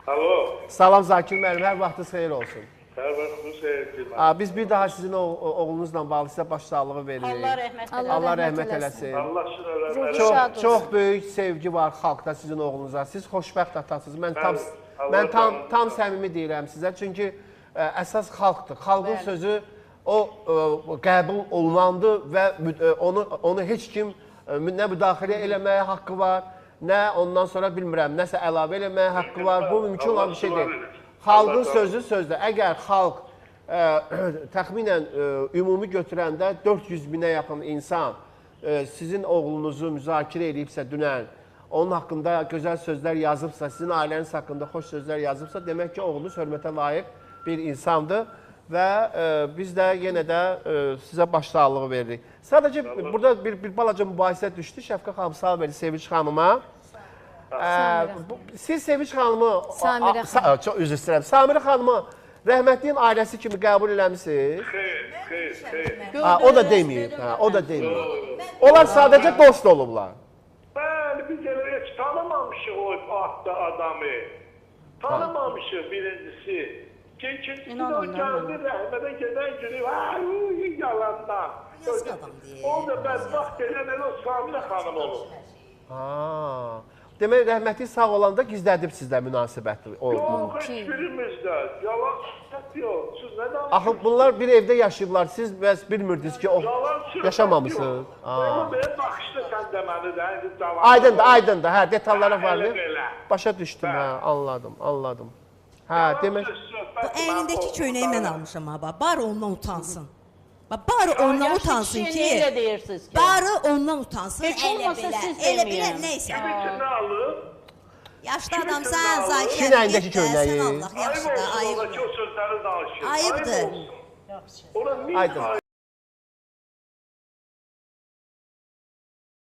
Alo. Salam Zakir müəllim, hər vaxtınız xeyir olsun. Hər vaxtınız xeyir olsun. Biz bir daha sizin oğlunuzla bağlı sizə başsağlığı veririk. Allah rəhmət eləsin. Allah rəhmət eləsin. Allah sizə rəhmət eləsin. Çox böyük sevgi var xalqda sizin oğlunuza. Siz xoşbəxt atasınız. Mən tam səmimi deyirəm sizə. Çünki əsas xalqdır. Xalqın sözü o qəbul olunandı və onu heç kim nə müdaxilə eləməyə haqqı var, nə ondan sonra bilmirəm, nəsə əlavə eləməyə haqqı var. Bu mümkün olan bir şey deyil. Xalqın sözü sözdür. Əgər xalq təxminən ümumi götürəndə 400 minə yaxın insan sizin oğlunuzu müzakirə edibsə dünən, onun haqqında gözəl sözlər yazıbsa, sizin ailəniz haqqında xoş sözlər yazıbsa, demək ki, oğlunuz hörmətə layiq bir insandır və biz də yenə də sizə başsağlığı veririk. Sadəcə burada bir balaca mübahisə düşdü. Şəfqət xanım, salam verin Sevinç xanıma. Siz Sevinç xanımı, çox üzr istəyirəm, Samirə xanımı rəhmətliyin ailəsi kimi qəbul eləmişsiniz? Xeyr. O da deməyib, o da deməyib. Onlar sadəcə dost olublar. Bəli, biz elə heç tanımamışıq o adamı. Tanımamışıq birincisi. İkincisi o gəldi rəhmətə gedən günü, yalandan. O da bədbaxt edən elə o Samirə xanım olur. Demək, rəhmətli sağ olanda gizlədib sizlə münasibəti oldu. Yox, hiçbirimizdə. Yalan söhbət yox. Siz nə danışırsınız? Axı, bunlar bir evdə yaşayıblar. Siz bəs bilmirdiniz ki, o yaşamamışsınız. Amma belə baxışda sən deməli də. Aydındır. Hə, detallara var mı? Başa düşdüm, hə, anladım. Hə, demək... Bu əynindəki köynəyi mən almışam ha, bari ondan utansın. Bari ondan utansın ki, bari ondan utansın, elə belə, neysə. Nə alır? Yaşlı adamsan, Zakir Kimin əlindəki köynəyi? Yaxşı da, ayıbdır. Ayıbdır. Ayıbdır. Ona niyə